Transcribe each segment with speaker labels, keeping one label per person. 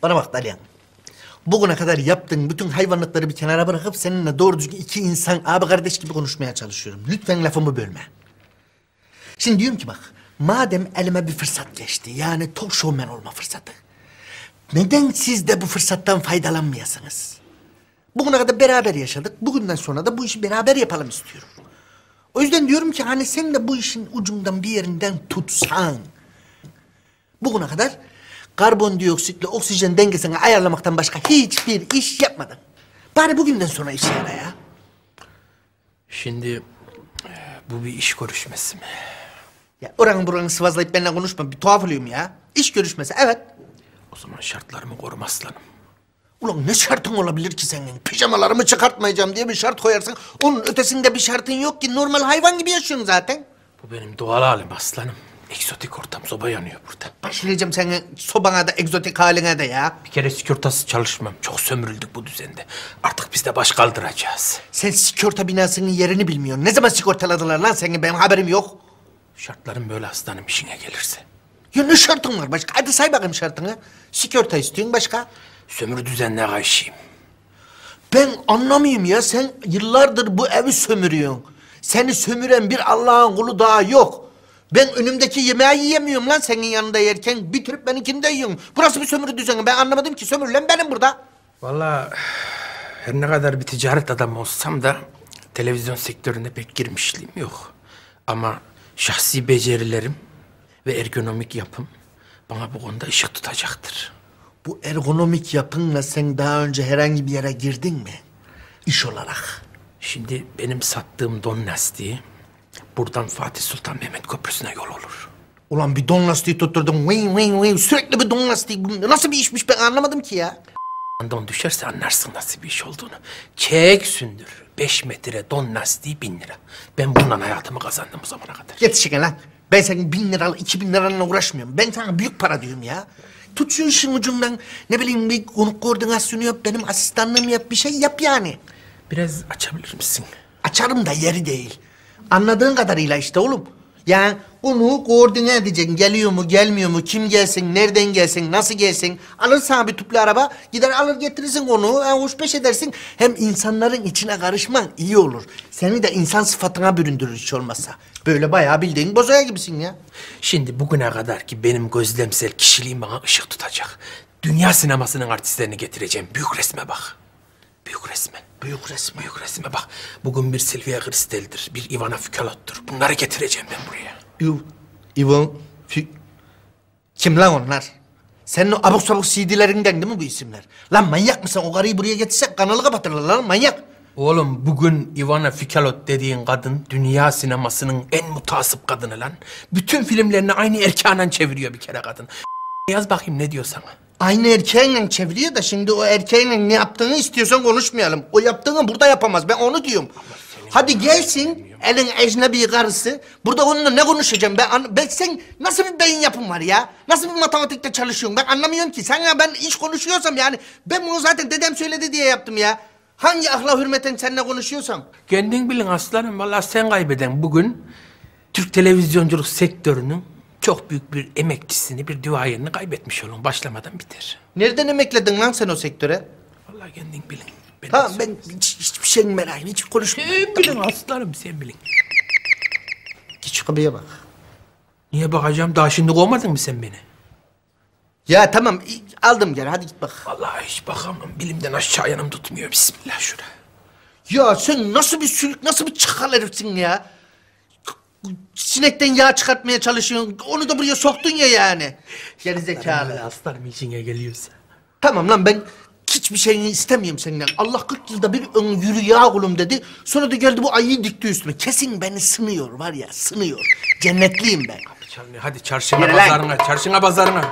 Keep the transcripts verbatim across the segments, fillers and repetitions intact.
Speaker 1: Bana bak Dalyan. Bugüne kadar yaptığın bütün hayvanlıkları bir kenara bırakıp seninle doğru düzgün iki insan abi kardeş gibi konuşmaya çalışıyorum. Lütfen lafımı bölme. Şimdi diyorum ki bak, madem elime bir fırsat geçti, yani talk showman olma fırsatı. Neden siz de bu fırsattan faydalanmayasınız? Bugüne kadar beraber yaşadık, bugünden sonra da bu işi beraber yapalım istiyorum. O yüzden diyorum ki hani sen de bu işin ucundan bir yerinden tutsan. Bugüne kadar karbondioksitle oksijen dengesini ayarlamaktan başka hiçbir iş yapmadın. Bari bugünden sonra işe yara ya.
Speaker 2: Şimdi bu bir iş görüşmesi mi?
Speaker 1: Ya oranın buranı sıvazlayıp benimle konuşma, bir tuhaf oluyorum ya. İş görüşmesi, evet.
Speaker 2: O zaman şartlarımı korum aslanım.
Speaker 1: Ulan ne şartın olabilir ki senin? Pijamalarımı çıkartmayacağım diye bir şart koyarsın. Onun ötesinde bir şartın yok ki. Normal hayvan gibi yaşıyorsun zaten.
Speaker 2: Bu benim doğal halim aslanım. Egzotik ortam, soba yanıyor burada.
Speaker 1: Başlayacağım senin sobana da egzotik haline de ya.
Speaker 2: Bir kere sigortası çalışmam. Çok sömürüldük bu düzende. Artık biz de baş kaldıracağız.
Speaker 1: Sen sigorta binasının yerini bilmiyorsun. Ne zaman sigortaladılar lan seni? Benim haberim yok.
Speaker 2: Şartlarım böyle aslanım, işine gelirse.
Speaker 1: Ya ne şartın var başka? Hadi say bakayım şartını. Sigorta istiyorsun, başka?
Speaker 2: Sömürü düzenine karşıyım.
Speaker 1: Ben anlamayayım ya. Sen yıllardır bu evi sömürüyorsun. Seni sömüren bir Allah'ın kulu daha yok. Ben önümdeki yemeği yiyemiyorum lan senin yanında yerken. Bitirip benimkini de yiyorum. Burası bir sömürü düzeni. Ben anlamadım ki, sömürülen benim burada.
Speaker 2: Vallahi her ne kadar bir ticaret adamı olsam da televizyon sektörüne pek girmişliğim yok. Ama şahsi becerilerim ve ergonomik yapım bana bu konuda ışık tutacaktır.
Speaker 1: Bu ergonomik yapınla sen daha önce herhangi bir yere girdin mi? İş olarak.
Speaker 2: Şimdi benim sattığım don lastiği buradan Fatih Sultan Mehmet Köprüsü'ne yol olur.
Speaker 1: Ulan bir don lastiği tutturdum. Vıy vıy vıy. Sürekli bir don lastiği. Bu nasıl bir işmiş ben anlamadım ki ya.
Speaker 2: Don düşerse anlarsın nasıl bir iş olduğunu. Çek sündür. Beş metre don lastiği bin lira. Ben bundan hayatımı kazandım bu zamana kadar.
Speaker 1: Yetişin lan. Ben senin bin liralı, iki bin lirayla uğraşmıyorum. Ben sana büyük para diyorum ya. Tut şu işin ucundan. Ne bileyim bir konuk koordinasyonu yap, benim asistanlığımı yap, bir şey yap yani.
Speaker 2: Biraz açabilir misin?
Speaker 1: Açarım da yeri değil. Anladığın kadarıyla işte oğlum. Yani onu koordine edeceksin. Geliyor mu, gelmiyor mu, kim gelsin, nereden gelsin, nasıl gelsin. Alırsan bir tüplü araba, gider alır getirirsin onu, yani hoş beş edersin. Hem insanların içine karışman iyi olur. Seni de insan sıfatına büründürür hiç olmazsa. Böyle bayağı bildiğin bozoya gibisin ya.
Speaker 2: Şimdi bugüne kadar ki benim gözlemsel kişiliğim bana ışık tutacak. Dünya sinemasının artistlerini getireceğim. Büyük resme bak. Büyük resme.
Speaker 1: Büyük resmi.
Speaker 2: Büyük resme bak. Bugün bir Silvia Kristel'dir, bir Ivana Fukalot'tur. Bunları getireceğim ben buraya.
Speaker 1: Iv, Ivan, Fü... Kim lan onlar? Senin o abuk sabuk C D'lerinden değil mi bu isimler? Lan manyak mısın? O karıyı buraya getirsek kanalı kapatırlar lan, manyak.
Speaker 2: Oğlum bugün Ivana Fukalot dediğin kadın dünya sinemasının en mutasip kadını lan. Bütün filmlerini aynı erkeğiyle çeviriyor bir kere kadın. Yaz bakayım ne diyor sana.
Speaker 1: Aynı erkeğinle çeviriyor da şimdi o erkeğinle ne yaptığını istiyorsan konuşmayalım. O yaptığını burada yapamaz. Ben onu diyorum. Hadi gelsin elin ecnebi karısı. Burada onunla ne konuşacağım ben? An ben sen nasıl bir beyin yapın var ya? Nasıl bir matematikte çalışıyorsun? Ben anlamıyorum ki. Sen ya ben iş konuşuyorsam yani ben bunu zaten dedem söyledi diye yaptım ya. Hangi akla hürmeten seninle konuşuyorsam?
Speaker 2: Kendin bilin aslanım. Vallahi sen kaybeden bugün Türk televizyonculuk sektörünün çok büyük bir emekçisini, bir duayenini kaybetmiş olun. Başlamadan biter.
Speaker 1: Nereden emekledin lan sen o sektöre?
Speaker 2: Vallahi kendin bilin. Ben
Speaker 1: Tamam ben hiç, hiçbir şey merak etme, hiç konuşmuyorum.
Speaker 2: Sen bilin aslanım, sen bilin.
Speaker 1: Git şu kapıya bak.
Speaker 2: Niye bakacağım? Daha şimdi kovmadın mı sen beni?
Speaker 1: Ya tamam aldım geri, hadi git bak.
Speaker 2: Vallahi hiç bakamam. Bilimden aşağı yanım tutmuyor. Bismillah şurada.
Speaker 1: Ya sen nasıl bir sülük, nasıl bir çakal herifsin ya? Sinekten yağ çıkartmaya çalışıyorsun. Onu da buraya soktun ya yani. Gerizekalı.
Speaker 2: Aslanım işine geliyorsa.
Speaker 1: Tamam lan ben hiçbir şeyini istemiyorum senden. Allah kırk yılda bir ön yürü ya oğlum dedi. Sonra da geldi bu ayıyı dikti üstüme. Kesin beni sınıyor var ya, sınıyor. Cennetliyim ben.
Speaker 2: Hadi çalmıyor. Hadi çarşına
Speaker 1: Yürü lan.
Speaker 2: pazarına. Çarşına pazarına.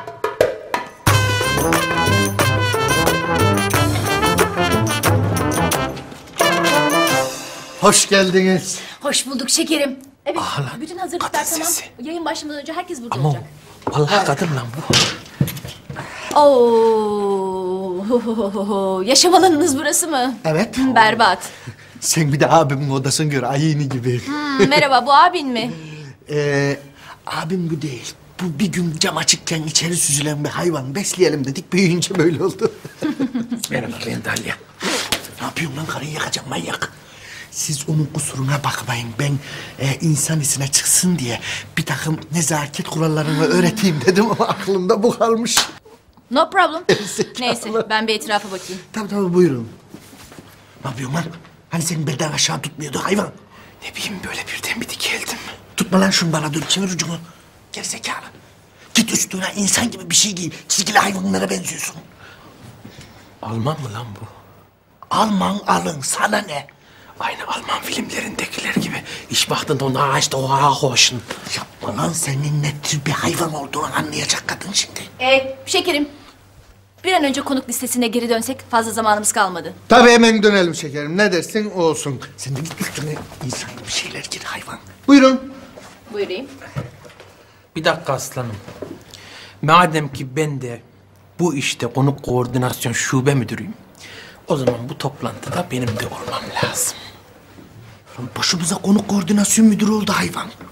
Speaker 1: Hoş geldiniz.
Speaker 3: Hoş bulduk şekerim. Evet,
Speaker 2: Ah lan,
Speaker 3: bütün hazırlıklar
Speaker 2: kadın
Speaker 3: tamam.
Speaker 2: sesi.
Speaker 3: Yayın başlamadan önce herkes burada
Speaker 2: Ama
Speaker 3: olacak.
Speaker 2: vallahi kadın lan bu.
Speaker 3: Oo, yaşam alanınız burası mı?
Speaker 1: Evet.
Speaker 3: Hmm, berbat.
Speaker 1: Sen bir de abimin odasını gör, ayını gibi.
Speaker 3: Hmm, merhaba, bu abin mi?
Speaker 1: Ee, abim bu değil. bu bir gün cam açıkken içeri süzülen bir hayvan besleyelim dedik. Büyüyünce böyle oldu.
Speaker 2: Merhaba ben Dalya.
Speaker 1: Ne yapıyorsun lan, karıyı yakacağım manyak. Siz onun kusuruna bakmayın. Ben e, insan içine çıksın diye bir takım nezaket kurallarını öğreteyim dedim ama aklımda bu kalmış.
Speaker 3: No problem.
Speaker 1: Zekalı.
Speaker 3: Neyse ben bir etrafa bakayım.
Speaker 1: Tabii tabii buyurun. Ne yapıyorsun lan? Hani senin belden aşağı tutmuyordu hayvan?
Speaker 2: Ne bileyim böyle birden bir dikeldim.
Speaker 1: Tutma lan şunu bana, dur çevir ucunu. Gerizekalı. Git üstüne insan gibi bir şey giy. Çizgili hayvanlara benziyorsun.
Speaker 2: Alman mı lan bu?
Speaker 1: Alman alın, sana ne?
Speaker 2: Aynı Alman filmlerindekiler gibi. İş baktın da ona işte o hoşun.
Speaker 1: Yapma lan, senin ne tür bir hayvan olduğunu anlayacak kadın şimdi.
Speaker 3: Ee, şekerim. Bir an önce konuk listesine geri dönsek fazla zamanımız kalmadı.
Speaker 1: Tabii hemen dönelim şekerim. Ne dersin o olsun. Sen de git üstüne insan gibi şeyler gir hayvan. Buyurun.
Speaker 3: Buyurayım.
Speaker 2: Bir dakika aslanım. Madem ki ben de bu işte konuk koordinasyon şube müdürüyüm. O zaman bu toplantıda benim de olmam lazım.
Speaker 1: Lan başımıza konuk koordinasyon müdürü oldu hayvan.